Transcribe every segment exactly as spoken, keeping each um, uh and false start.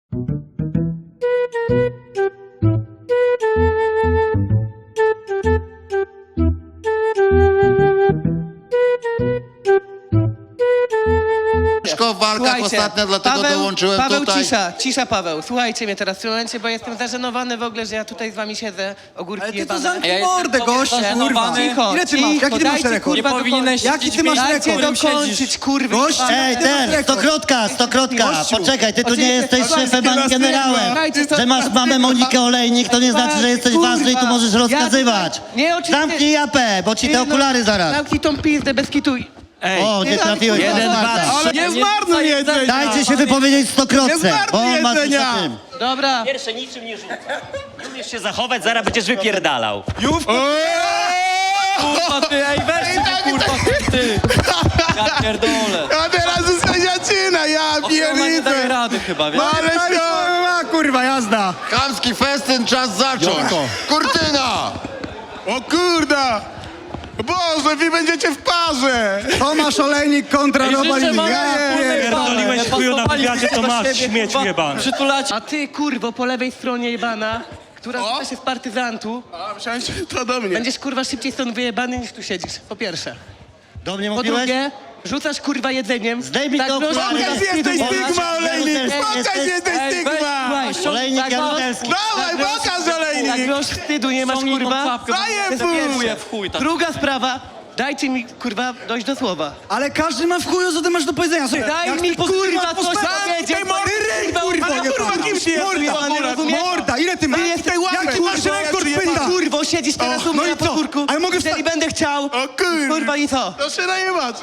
Ciężko w walkach Słuchajcie, ostatnio, dlatego Paweł, dołączyłem Paweł, tutaj. cisza, cisza Paweł. Słuchajcie mnie teraz w tym momencie, bo jestem zażenowany w ogóle, że ja tutaj z wami siedzę, ogórki Ale ty to jebane. zamknij Ja jestem mordę, tobie gość, kurwa. zażenowany. Cicho, Ile ty masz? cicho, Jaki ty masz dajcie, rekord? kurwa, Nie powinieneś dokończyć. Jaki ty masz Dajcie rekord? dokończyć, kurwa. Gość, Ej, ty masz ten, rekord. stokrotka, stokrotka, Gościu. poczekaj, ty tu nie Oczywiście, jesteś słuchaj, szefem ani teraz generałem. Słuchajcie, to- Że masz mamę Monikę Olejnik, to nie znaczy, że jesteś Kurwa, ważny i tu możesz ja rozkazywać. tutaj- Nie, oczywiście- Zamknij japę, bo ci Nie, te no, okulary zaraz. Zamknij tą pizdę, bez kitu. Ej, O, nie trafiłeś. jeden, na dwa, smarta. Ale nie zmarnuj jedzenia. Dajcie się wypowiedzieć Nie stokrotce, zmarnuj bo on ma coś jedzenia. o tym. Dobra. Pierwsze niczym nie rzuca. Nie umiesz się zachować, zaraz będziesz wypierdalał. Jówko. kurwa ty, ej, weź ty, kurwa ty. Ja pierdolę. A teraz jest sędziacina, ja Ona nie daje pierniczę. rady chyba, wiesz? Ale się... kurwa, jazda. Chamski festyn, czas zacząć. Kurtyna! O kurda. Boże, wy będziecie w parze. Tomasz Olejnik kontra Ej, Roman życzę wam Pierdoliłeś chuju na wywiadzie, to masz, śmieciu jebany. Przytulacie. A ty, kurwo, po lewej stronie jebana, która rzuca się z partyzantu, A, myślałem, że to do mnie. będziesz, kurwa, szybciej stąd wyjebany niż tu siedzisz, po pierwsze. Do mnie Po mówiłeś? drugie, rzucasz, kurwa, jedzeniem. Zdejmij te groźnie, okulary. kurwa, Pokaż jesteś wstydu nie masz. Stygma, Olejnik. Ej, Pokaż ej, jesteś Ej, weź, Stygma. słuchaj, ściągnij- Olejnik tak, Jaruzelski. Dawaj, pokaż Tak Olejnik. groź wstydu nie masz, ściągnij tą kurwa. czapkę, bo Daję mnie fuj. zajmuje w chuj. tak. Druga sprawa, dajcie mi, kurwa, dojść do słowa. Ale każdy ma w chuju, co ty masz do powiedzenia. Słuchaj, Daj jak mi, ty pozytywnie kurwa, coś postawisz- powiedzieć, Tej bo mordy, ty, ryj, kurwa, kurwa, ale nie kurwa, pan. kim ty jesteś, Morda, pan nie rozumiesz? morda, ile ty masz? Ty jesteś Jaki masz rekord, pynda? Kurwo, siedzisz teraz O, u mnie no i na co? podwórku. Ale mogę Jeżeli wsta- będę chciał, O kurwa. kurwa i co? To się najebacze.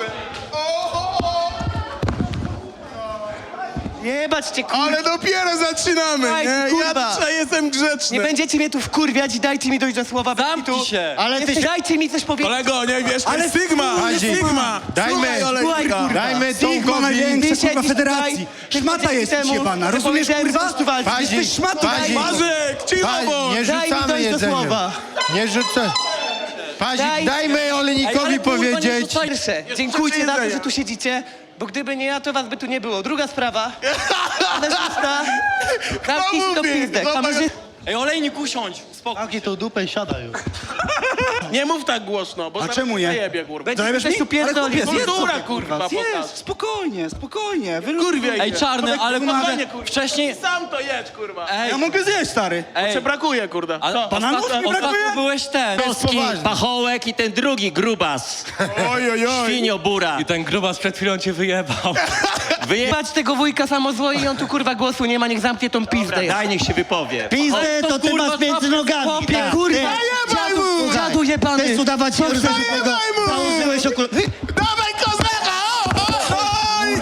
Jebać cię, kurwa. Ale dopiero zaczynamy, Daj, nie? kurwa. Ja dzisiaj jestem grzeczny. Nie będziecie mnie tu wkurwiać i dajcie mi dojść do słowa. bez Zamknij kitu. się. Ale ty Jesteś, się... dajcie mi coś powiedzieć. Kolego, nie wiesz, to Ale jest Sygma, Hadzi. Sygma. Dajmy, Słuchaj, Olejnika. słuchaj, kurwa. Dajmy Sygma Tomkowi. największa, Ty kurwa, siedzisz federacji. tutaj, Szmata tydzień jesteś temu, jebana, że rozumiesz, powiedziałem, kurwa? że chcesz tu walczyć. Hadzi. Jesteś szmatą, Hadzi. daj- Mazek, cicho, Pa, bo... nie Daj mi rzucamy dojść do jedzenia. słowa. Nie rzucę. Pazik, Daj- dajmy Ej, Olejnikowi ale kurwa, nie powiedzieć. rzucaj- Pierwsze, dziękujcie za to, że tu siedzicie, bo gdyby nie ja, to was by tu nie było. Druga sprawa, kamerzysta, zamknij się do mówi? pizdę, Zobacz. kamerzysta. Ej, olejnik, usiądź. Spokój. Zamknij tą dupę i siadaj już. Nie mów tak głośno, bo A zaraz czemu nie? zajebie, kurwa. Zajebiesz Będziesz mi? tu pierdolił. Ale kupię, Kultura, zjedz sobie, kurwa, Zjedz, pokaż. spokojnie, spokojnie. Kurwie Ej, idzie. czarny, ale Spokojnie, kurwa, kurwa. wcześniej... Sam to jedź, kurwa. Ej, Ja mogę zjeść, stary. ej, Czy brakuje, kurwa? ale Co? Bananów mi ostatnio, brakuje? ostatnio byłeś ten. Polski pachołek i ten drugi grubas. Oj, oj, oj. Świnio bura. I ten grubas przed chwilą cię wyjebał. Wyje... Bać tego wujka samozłoi i on tu kurwa głosu nie ma, niech zamknie tą pizdę. Daj, niech się wypowie. Pizdę Ale to to ty kurwa masz między nogami. Chłopie, tak, kurwa, ty. Zajebaj mu! dziadu jebany. Chcesz udawać się tego, Zajebaj mu! założyłeś okulary. Dawaj kozaka! O, o, oj!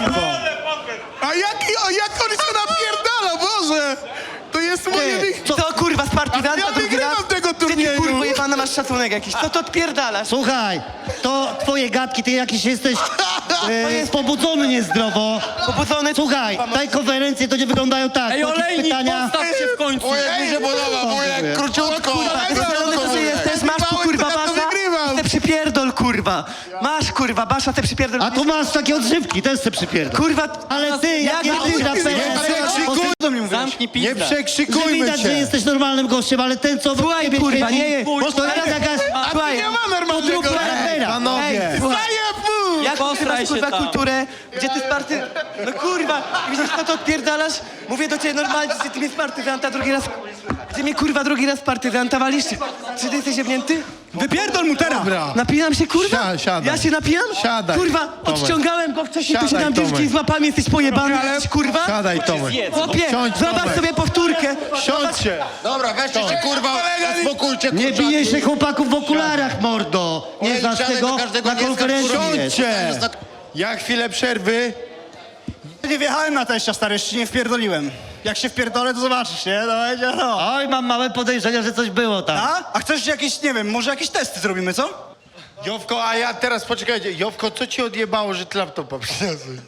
A jaki, o, jak on się napierdala, Boże! To jest moje... wy- Co kurwa z partyzanta Ja drugi wygrywam raz? tego Gdzie ty turnieju. kurwa jebana masz szacunek jakiś? Co to odpierdalasz? Słuchaj, to twoje gadki, ty jakiś jesteś e, pobudzony niezdrowo. Pobudzony... Słuchaj, te konferencje to nie wyglądają tak. Ej, Jakieś olejnik, pytania. postaw się w końcu. Wujek mi się podoba, wujek, króciutko. Pobudzony to ty jesteś, masz tu kurwa to ja to basza? wygrywam. Te przypierdol kurwa. Masz kurwa basza, te przypierdol. A tu masz takie odżywki, też se przypierdol. Kurwa... Ale ty, Jak jakie ty- ty na Nie przekrzykuj, do mnie mówisz? Zamknij nie pizdę. Że przekrzykujmy widać, że się. jesteś normalnym gościem, ale ten co... Słuchaj ciebie kurwa, siedzi, nie... Bo to jest jakaś... A tu Słuchaj, nie ma normalnego... podrób rapera. Panowie. Ej, słuchaj. Zajeb mu! Jak ty Posraj masz się kurwa tam. kulturę, gdzie ty z party... No kurwa, widzisz co to odpierdalasz? Mówię do ciebie normalnie, że ty mnie z partyzanta drugi raz... Gdzie mnie kurwa drugi raz z partyzanta walisz? Czy ty jesteś jebnięty? Wypierdol mu teraz! Dobra. Napijam się kurwa? Si- siadaj. Ja się napijam? Siadaj, Kurwa, Tomek. odciągałem go wcześniej, tu się Siadaj, tam dziewczyny Tomek. z łapami, jesteś pojebany, jesteś kurwa? Siadaj, Tomek. Chłopie, Siądź, zobacz Tomek. sobie powtórkę. Siądźcie. Dobra, weźcie się, kurwa, uspokójcie, Nie kurczaki. bijej się chłopaków w okularach, mordo. Nie Ej, znasz siadaj tego? do każdego Na nie konferencji skacz, jest. siądźcie. Ja chwilę przerwy. Nie wjechałem na teścia, stary, jeszcze się nie wpierdoliłem. Jak się wpierdolę, to zobaczysz, nie? No, będzie, no. Oj, mam małe podejrzenia, że coś było tam. A? A chcesz jakieś, nie wiem, może jakieś testy zrobimy, co? Jowko, a ja teraz, poczekajcie. Jowko, co ci odjebało, że ty laptopa przyniosłeś?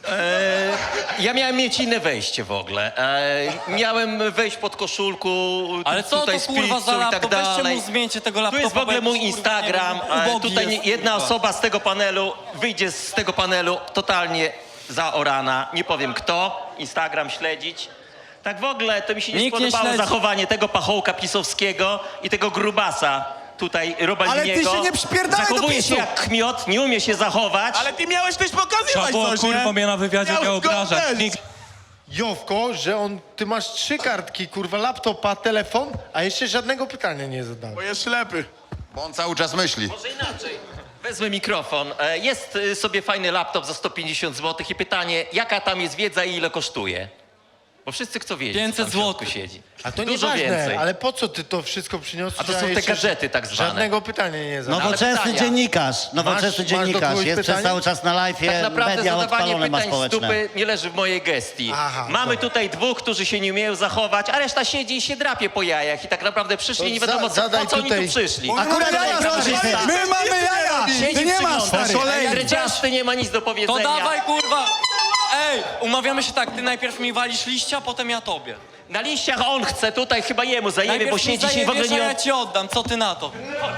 Ja miałem mieć inne wejście w ogóle. E, miałem wejść pod koszulku, Ale co tutaj to z kurwa pizzą za i tak laptop? Weźcie dalej. mu zmieńcie tego Tu laptopa. jest w ogóle bo mój jakiś, kurwa, Instagram. nie wiem, e, ubogi Tutaj jest, jedna kurwa. osoba z tego panelu wyjdzie z tego panelu totalnie zaorana. Nie powiem kto. Instagram śledzić. Tak w ogóle to mi się nie Nikt nie spodobało śledzi. zachowanie tego pachołka pisowskiego i tego grubasa tutaj Robaliniego. Ale ty się nie przypierdalaj do Zachowuje PiSu. się jak kmiot, nie umie się zachować. Ale ty miałeś też pokazywać Trzeba było, coś, kurwa, nie? mnie na wywiadzie Miałeś nie obrażać. go Nikt... Jowko, że on, ty masz trzy kartki, kurwa, laptopa, telefon, a jeszcze żadnego pytania nie zadałeś. Bo jest ślepy. Bo on cały czas myśli. Może inaczej. Wezmę mikrofon. E, Jest y, sobie fajny laptop za sto pięćdziesiąt złotych i pytanie, jaka tam jest wiedza i ile kosztuje? Bo wszyscy chcą wiedzieć, pięćset co tam w środku złotych. siedzi. A to Dużo nieważne, więcej. ale po co ty to wszystko przyniosłeś? A to są te jeszcze gadżety tak zwane. Żadnego pytania nie zadałeś. Nowoczesny pytania. dziennikarz, nowoczesny masz do dziennikarz. kogoś Jest przez pytanie? cały czas na live'ie, Tak naprawdę media zadawanie odpalone ma pytań z społeczne. dupy nie leży w mojej gestii. Aha, Mamy dobra. tutaj dwóch, którzy się nie umieją zachować, a reszta siedzi i się drapie po jajach i tak naprawdę przyszli To nie wiadomo za- co, zadaj po co oni tutaj- tu przyszli. Akurat jaja, najprościej. My mamy jaja! Siedzi Ty nie masz, przygląda stary. się. Dredziasty nie ma nic do powiedzenia. To dawaj, kurwa! Ej, umawiamy się tak, ty najpierw mi walisz liścia, potem ja tobie. Na liściach on chce, tutaj chyba jemu zajebie, Najpierw bo mi siedzi się w ogóle zajebiesz, nie... a ja ci oddam, co ty na to?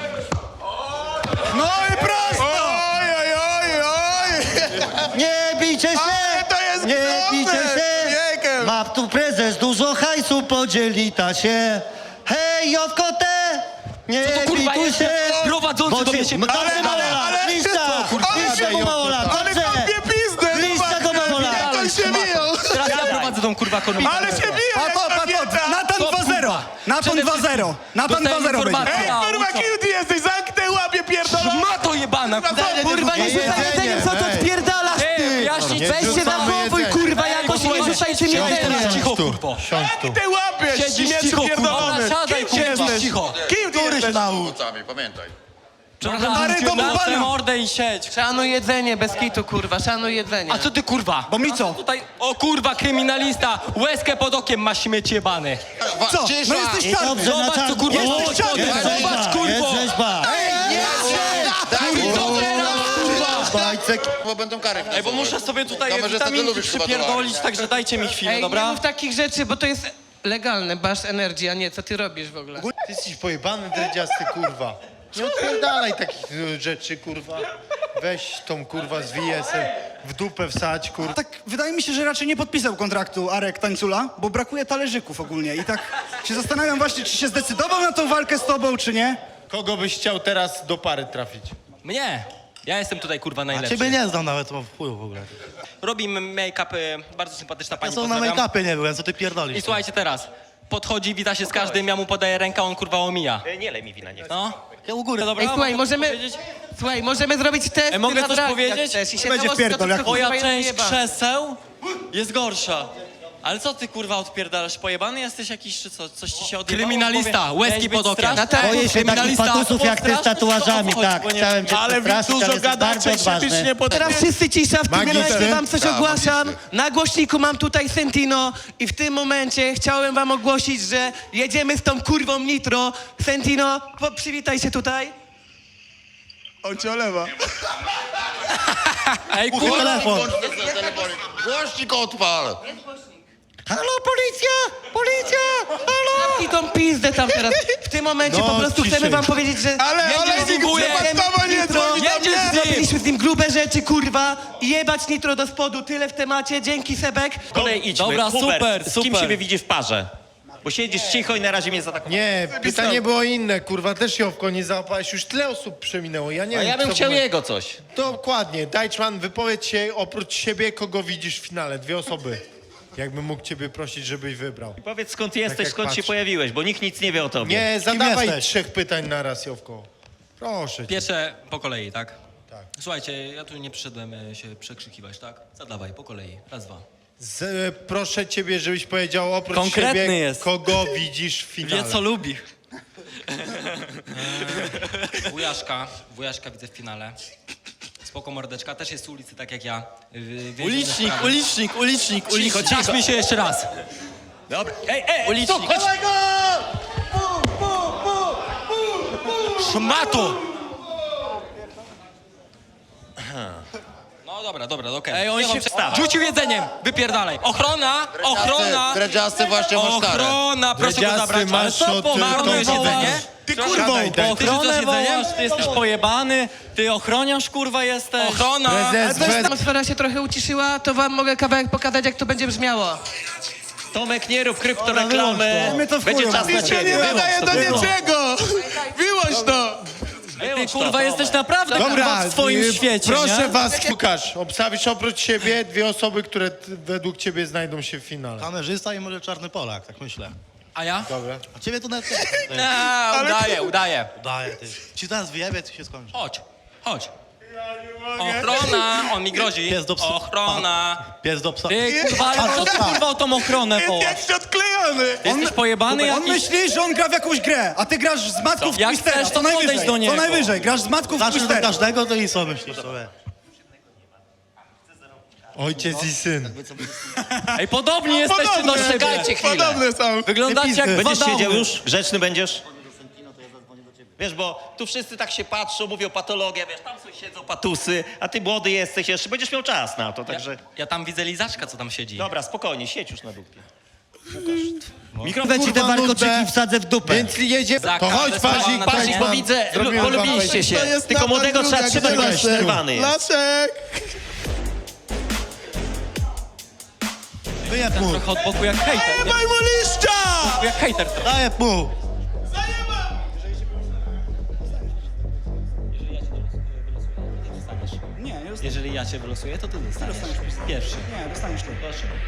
No i prosto! Oj, oj, oj, oj! Nie bijcie się! Ale to jest Nie groźne! bijcie się! Wiekiem! Ma tu prezes, dużo hajsu podzieli ta się. Hej, Jowkote! Nie Co to, kurwa, bituj jest? się! Prowadzący Bo do cię- mnie się... Dobrze, Ale- Małola! ale- Liścia! ale- Liścia go, Małola! Ale Dobrze! kopie pizdę! Liścia go, Małola! Jak on się biją! Teraz ja prowadzę tą kurwa konwencję. Ale się biją jak kobieta! Natan dwa zero! Natan dwa zero! Natan dwa zero będzie! informacji. Ej, kurwa, kim ty jesteś? Zamknę łapie pierdolą! Ma to jebana, kurwa! Kurwa, nie rzucaj jedzenie, jedzeniem, co to weź. odpierdalasz, Ej, ty! wyjaśnić, Nie Weź się wrzucamy zachowuj, jedzenia. kurwa, jakoś i nie rzucajcie mi Siądź tu, jedzenia! cicho, tu, kurwo. siądź tu. Ty łapiesz, Siedzisz śmieciu cicho, kurwa. pierdolony! Siadaj, Kim ty kurwa. jesteś? Cicho. Kim ty jesteś? Rzucamy, pamiętaj. Stary, do na bubana. mordę i siedź. Szanuj jedzenie, bez kitu, kurwa, szanuj jedzenie. A co ty, kurwa? Bo mi co? Tutaj, o kurwa, kryminalista, łezkę pod okiem ma śmieć jebany. Co? Cisza! No jesteś I czarny! dobrze, Zobacz, na co, kurwa, czarno. jest Jest czarny. rzeźba, Zobacz, kurwo. jest rzeźba. Daj mi to! Bajcek. Bo będą kary. Ej, bo muszę sobie tutaj Kamerzysta, ty witaminki lubisz chyba przypierdolić, także dajcie mi chwilę, Ej, nie dobra? mów takich rzeczy, bo to jest legalne, masz energię, a nie, co ty robisz w ogóle? Ty jesteś pojebany, dredziasty, kurwa. Nie odpierdalaj takich y, rzeczy, kurwa. Weź tą, kurwa, z V S-em w dupę wsadź, kurwa. Tak, wydaje mi się, że raczej nie podpisał kontraktu Arek Tańcula, bo brakuje talerzyków ogólnie i tak się zastanawiam właśnie, czy się zdecydował na tą walkę z tobą, czy nie? Kogo byś chciał teraz do pary trafić? Mnie. Ja jestem tutaj, kurwa, najlepszy. Ciebie nie znam nawet, to w chuju w ogóle. Robimy make-up, y, bardzo sympatyczna pani, Ja są na pozdrawiam. make-upie nie byłem, co ty pierdolisz. I słuchajcie teraz, podchodzi, wita się z każdym, ja mu podaję rękę, on kurwa omija. E, Nie lej mi wina, nie chcę. No. Ja u góry. Dobra, Ej, słuchaj, mogę coś możemy, powiedzieć? słuchaj, możemy zrobić test Ej, mogę na coś drag, powiedzieć? jak chcesz, i się Będzie założyć, wpierdol, to jak- tylko, Twoja kurwa, część jeba. krzeseł jest gorsza. Ale co ty kurwa odpierdalasz? Pojebany jesteś jakiś czy co? Coś ci się odjebało? Kryminalista, Powie- łezki Miałeś być pod okiem. straszny? Natan- Boję się takich Kryminalista, patusów jak ty z postraszny, tatuażami, to tak. odchodź, bo nie- Chciałem cię Ale wy przepraszać, dużo ale jesteś gadacie bardzo i się być odważny. nie potraficie. Teraz wszyscy cisza, w tym Magister. momencie wam coś Tak, ogłaszam. magister. Na głośniku mam tutaj Sentino i w tym momencie chciałem wam ogłosić, że jedziemy z tą kurwą Nitro. Sentino, po- przywitaj się tutaj. On cię olewa. Ej Kurwa, kurwa, telefon. Głośnik odpal! Halo, policja! Policja! Halo! I tą pizdę tam teraz. W tym momencie No, po prostu ciszej. chcemy wam powiedzieć, że Ale, ale jedziemy z nim, dziękuję. jedziemy Trzeba z nie Nitro. dzwonić do Jedziesz mnie. z nim. Zrobiliśmy z nim grube rzeczy, kurwa. I jebać Nitro do spodu. Tyle w temacie. Dzięki, Sebek. Kolej idźmy. Dobra, Hubert, super, z kim super. siebie widzisz w parze? Bo siedzisz cicho i na razie mnie zaatakowałeś. Nie, pytanie było inne, kurwa, też Jowko, nie załapałeś, już tyle osób przeminęło, ja nie A wiem, ja bym co chciał by- jego coś. Dokładnie, Dajczman, wypowiedz się oprócz siebie, kogo widzisz w finale, dwie osoby. Jakbym mógł ciebie prosić, żebyś wybrał. Powiedz skąd jesteś, jak skąd się patrzę. pojawiłeś, bo nikt nic nie wie o tobie. Nie, zadawaj jesteś? trzech pytań na raz, Jowko. Proszę cię. Pierwsze po kolei, tak? Tak. Słuchajcie, ja tu nie przyszedłem e, się przekrzykiwać, tak? Zadawaj, po kolei. Raz, dwa. Z, e, proszę ciebie, żebyś powiedział oprócz Konkretny siebie, jest. kogo widzisz w finale. Wie co lubi. Wujaszka, wujaszka widzę w finale. Spoko mordeczka, też jest z ulicy, tak jak ja. Wy- wie- Ulicznik, sprawy. ulicznik, ulicznik, Cicho, ulicznik. cicho. mi się jeszcze raz. Dobra, ej, ej, ulicznik. Chodź. Szmato! No dobra, dobra, okej. Ej, on Niech się przestawi. Rzucił jedzeniem, wypierdalaj. Ochrona, ochrona, Dredziasty właśnie masz karę. ochrona, proszę go Dredziasty, zabrać. Ale masz co, od, po y, marnujesz tą jedzenie? wołać. Ty kurwo, bo daj. ty rzucasz jedzeniem? Ty jesteś pojebany, ty ochroniarz kurwa jesteś. Ochrona! Prezes, bez... Atmosfera się trochę uciszyła, to wam mogę kawałek pokazać, jak to będzie brzmiało. Tomek, nie rób kryptoreklamy. My to w Będzie chuju czas na mamy. Się nie ciebie. nadaje do niczego! Wyłącz to! Ty kurwa jesteś naprawdę Dobra, kurwa w swoim y, świecie, proszę nie? was, Łukasz, obstawisz oprócz siebie dwie osoby, które t- według ciebie znajdą się w finale. Kamerzysta i może czarny Polak, tak myślę. A ja? Dobra. A ciebie to nawet nie. Nie, udaję, udaję. Daję ty. Ci teraz wyjebie, to się skończy. Chodź, chodź. Ochrona, on mi grozi. Pies do psa. Ochrona. Pies do psa. Ty kurwa, ale co ty kurwa o tą ochronę Jest wołasz? jakiś odklejony! Jesteś pojebany On jakiś? myśli, że on gra w jakąś grę, a ty grasz z matków w Jak Twistera, chcesz, co to podejdź najwyżej, do niego. co najwyżej, grasz z matków w Znaczy do Twistera. każdego, to i co myślisz sobie? Ojciec i syn. Ej, podobni jesteście do siebie. Czekajcie chwilę. Podobne są. Wyglądacie jak dwa Będziesz siedział downy. już? Grzeczny będziesz? Wiesz, bo tu wszyscy tak się patrzą, mówią patologia, wiesz, tam są siedzą patusy, a ty młody jesteś jeszcze, będziesz miał czas na to, także... Ja, ja tam widzę lizaczka, co tam siedzi. Dobra, spokojnie, siedź już na dupie. Mikrofon ci te Kurwa, warkoczyki nudne. wsadzę w dupę. Więc jedzie. Za To chodź, każde słowa Pazik, na Pazik, Pazik, temat- bo mam- widzę, zrobimy wam polubiliście się, To jest tylko napad młodego trzeba druga, trzymać, bo gdzie jest jesteś? nerwany jest. Laszek! Wyjeb mu. Trochę od boku jak hejter, nie? Daj mu liścia! Jak hejter. Daję mu. Nie, nie dostaniesz, Jeżeli ja cię wylosuję, to ty dostaniesz. Pierwszy. nie, dostaniesz to.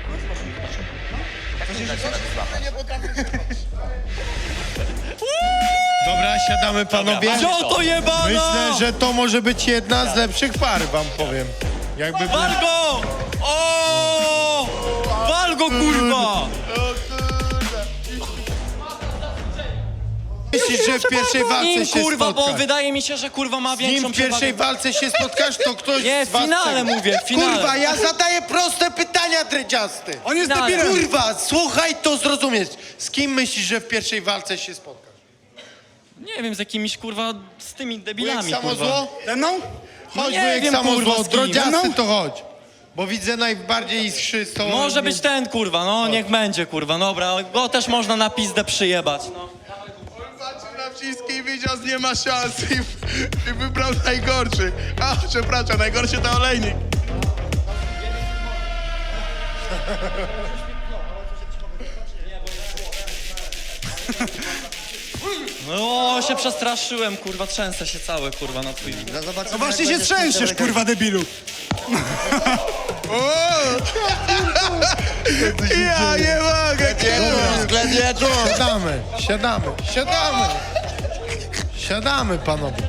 Dobra, siadamy panowie. Co to jebana? Myślę, że to może być jedna z lepszych par, wam powiem. Jakby był... Wal go! O! Wal go, kurwa! Myślisz, że w pierwszej walce Nim, się kurwa, bo spotkasz? wydaje mi się, że kurwa ma Z nim większą w pierwszej przewagę. walce się spotkasz, to ktoś Nie, z w was... finale chce- mówię, w finale. Kurwa, ja zadaję proste pytania, dredziasty. On jest Finale. debilem. Kurwa, słuchaj, to zrozumiesz. Z kim myślisz, że w pierwszej walce się spotkasz? Nie wiem, z jakimiś kurwa, z tymi Wujek debilami, kurwa. samozło? Ze mną? Chodź, nie wujek wiem, samozło, kurwa, z kim. drodziasty No. to chodź. Bo widzę najbardziej iskrzystą... Może być ten, kurwa, no niech będzie, kurwa, dobra. Go też można na pizdę przyjebać, no. Patrzył na wszystkich i widział, że nie ma szans i, i wybrał najgorszy. A, przepraszam, najgorszy to olejnik. No, się przestraszyłem, kurwa, trzęsę się cały, kurwa, na twój widok. No właśnie się trzęsiesz, kurwa debilu. O! Ja nie mogę, Jedu, sklep jedu. Siadamy, siadamy, siadamy. Siadamy, panowie.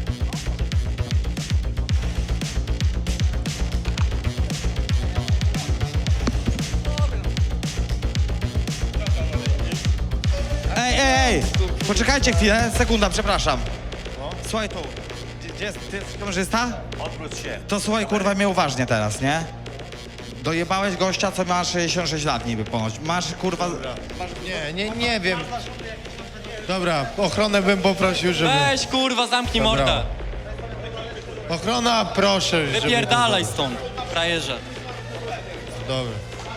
Ej, ej, ej! Poczekajcie chwilę, sekunda, przepraszam. Słuchaj tu, gdzie, gdzie jest, ty jesteś kamerzysta? Odwróć się. To słuchaj, kurwa, mnie uważnie teraz, nie? Dojebałeś gościa, co ma sześćdziesiąt sześć lat niby ponoć. Masz, kurwa... Nie, nie, nie wiem. Dobra, ochronę bym poprosił, żeby... Weź, kurwa, zamknij Dobra. mordę. Ochrona, proszę, żeby... Wypierdalaj stąd, frajerze. Dobra.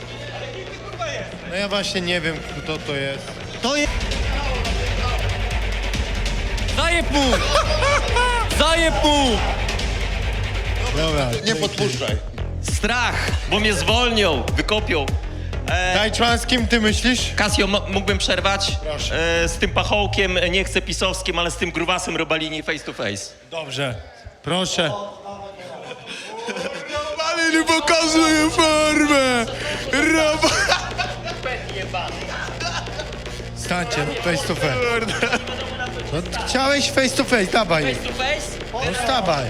No ja właśnie nie wiem, kto to jest. To jest... Zajeb mu! Zajeb mu! Dobra. Nie podpuszczaj. Strach, bo mnie zwolnią, wykopią. E, Dajczman, z kim ty myślisz? Kasio, mo- mógłbym przerwać? Proszę. E, z tym pachołkiem, e, nie chcę pisowskim, ale z tym grubasem Robalini face to face. Dobrze. Proszę. Ale nie pokazuje formę! Robo... Stańcie, face to face. No, chciałeś face to face, dawaj. to face? No stawaj.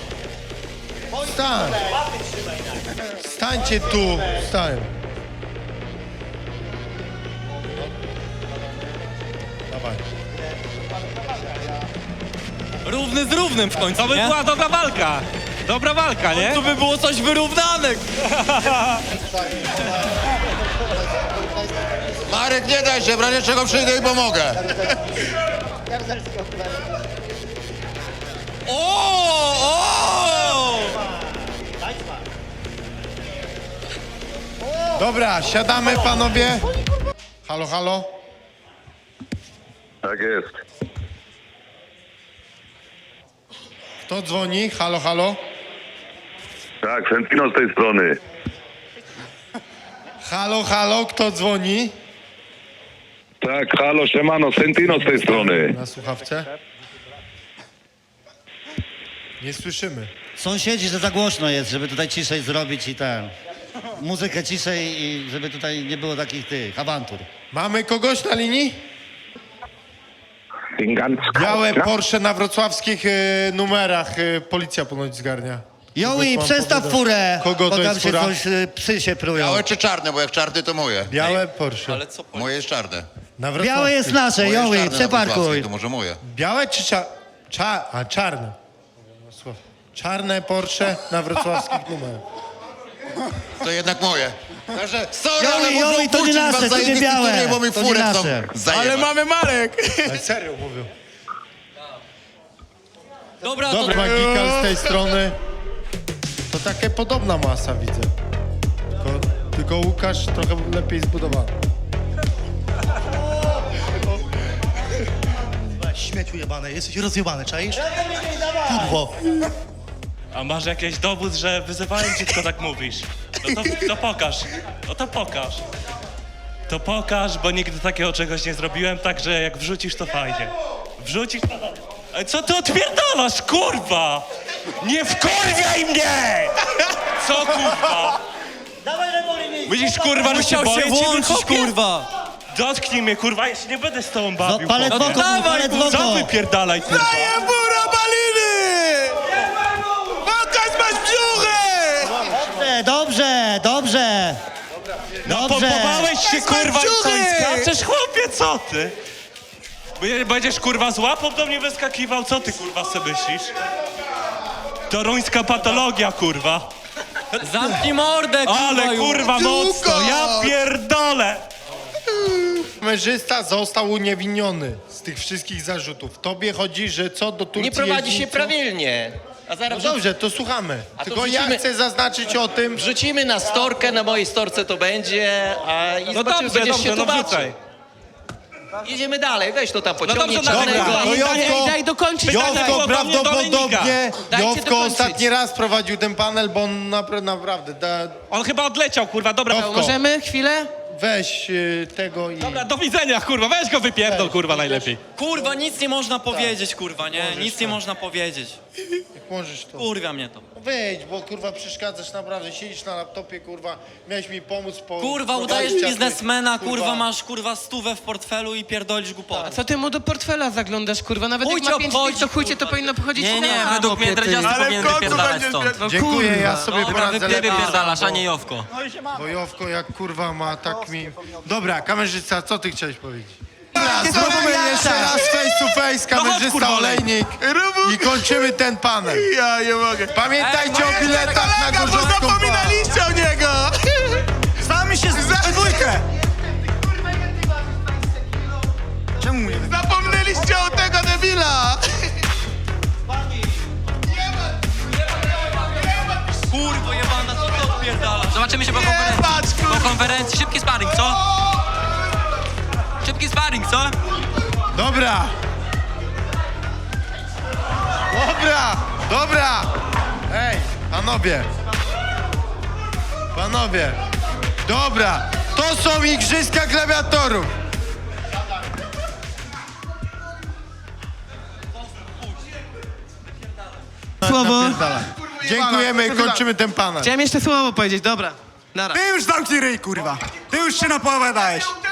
Stań. Stańcie tu. Stań. Dawaj. Równy z równym w końcu, To by nie? była dobra walka. Dobra walka, nie? Tu by było coś wyrównane. Marek, nie daj się, w razie czego przyjdę i pomogę. O! O! Dobra, siadamy, panowie. Halo, halo. Tak jest. Kto dzwoni? Halo, halo. Tak, Sentino z tej strony. Halo, halo, kto dzwoni? Tak, halo, siemano, Sentino z tej strony. Na słuchawce? Nie słyszymy. Sąsiedzi, że za głośno jest, żeby tutaj ciszej zrobić i ten... Muzykę ciszej i żeby tutaj nie było takich tych awantur. Mamy kogoś na linii? Ganz Białe Porsche na wrocławskich y, numerach y, policja ponoć zgarnia. Joey, Pan przestaw powiada. furę, Kogo bo to tam jest się fura? coś, y, psy się prują. Białe czy czarne, bo jak czarny to moje. Białe Porsche. Moje jest czarne. Na Białe jest wrocławskich. nasze, Moje jest Joey, czarne na wrocławskiej, przeparkuj. to może moje. Białe czy cza... Cza... A, czarne. Czarne Porsche na wrocławskich numerach. To jednak moje. Także, sorry, ale Joey, muszę Joey, to nie upuścić was nasze, za to nie jednych białe. tytułów, bo mi To nie furę tam nasze. zajeba. Ale mamy Marek. Ale serio mówią. Dobra, Dobry Magikal z tej strony. To takie podobna masa widzę. Tylko, tylko Łukasz trochę lepiej zbudowany. Śmieciu jebane, jesteś rozjebany, czaisz? Kurwo. A masz jakiś dowód, że wyzywałem cię, tylko tak mówisz? No to, to pokaż. No to pokaż. To pokaż, bo nigdy takiego czegoś nie zrobiłem, także jak wrzucisz, to fajnie. Wrzucisz, to... Ale co ty odpierdalasz, kurwa? Nie wkurwiaj mnie! Co, kurwa? Widzisz, kurwa, że się boję ciebie, kurwa! Dotknij mnie, kurwa, ja się nie będę z tobą No, bawił. palec w chłopie. oko, palec w Co oko. wypierdalaj, kurwa? Daję bura baliny! Pokaż masz brzuchę! Dobrze, dobrze, dobrze. No Dobrze. pompowałeś się, kurwa, i co, i Ciuchy! skaczesz, chłopie, co ty? Będzie- Będziesz, kurwa, z łapą do mnie wyskakiwał, co ty, kurwa, sobie myślisz? Toruńska patologia, kurwa. Zamknij mordę, kurwa, Ale, już. kurwa, mocno, ja pierdolę. Kamerzysta został uniewinniony z tych wszystkich zarzutów. Tobie chodzi, że co do Turcji Nie prowadzi jeździ, się co? prawilnie. A No zaraz dobrze, to słuchamy. A to Tylko ja wrzucimy- chcę zaznaczyć o tym, wrzucimy na storkę, na mojej storce to będzie, a i No zobaczymy, dobrze, będziesz dobrze, się no tłumaczył. wrzucaj. Jedziemy dalej, weź to tam pociągnij dobrze, dobra, czarnego. to Daj, Jowko, daj dokończyć. Pytanie daj, było daj. Jowko do mnie, do prawdopodobnie, Dajcie Jowko dokończyć. ostatni raz prowadził ten panel, bo on napra- naprawdę, da, On chyba odleciał, kurwa, dobra. Jowko, Możemy chwilę? weź y, tego i... Dobra, do widzenia, kurwa, weź go wypierdol, kurwa, najlepiej. Kurwa, nic nie można powiedzieć, kurwa, nie? Nic nie można powiedzieć. Jak możesz to. Kurwa mnie to. Wejdź, bo kurwa przeszkadzasz naprawdę, siedzisz na laptopie, kurwa, miałeś mi pomóc po... Kurwa, prowadzić, udajesz a ty, biznesmena, kurwa, masz, kurwa, stówę w portfelu i pierdolisz głupotę. A co ty mu do portfela zaglądasz, kurwa? Nawet Chuj jak cię ma pięć obchodzi, dych, to chuj cię to kurwa. powinno pochodzić Nie, nie, na według mnie łopie, ty. dredziasty Ale w powinien końcu wypierdalać będziesz stąd. pier- Dziękuję, kurwa. ja sobie Dobra, poradzę wy, ty lepiej. wypierdalasz, a nie Jowko. Bo Jowko jak kurwa ma tak mi... Dobra, kamerzysta, co ty chciałeś powiedzieć? Dobra, zrobimy jeszcze raz face to face, kamerzysta kurwa, Olejnik i kończymy ten panel. Ja nie mogę. Pamiętajcie o biletach na Kolega, bo Gorzowską Bar. zapominaliście o niego! Znamy się za dwójkę! Czemu mnie Zapomnieliście o tego debila! Kurwa, jebana, co ty odpierdalasz? Zobaczymy się po konferencji. patrz, kurwa. Po konferencji, szybki sparring, co? Szybki sparring, co? Dobra. Dobra, dobra. Ej, panowie. Panowie. Dobra, to są igrzyska gladiatorów. Słowo. Napierdalaj. Dziękujemy i kończymy ten panel. Chciałem jeszcze słowo powiedzieć, dobra. Nara. Ty już zamknij ryj, kurwa! Ty już się napowiadałeś!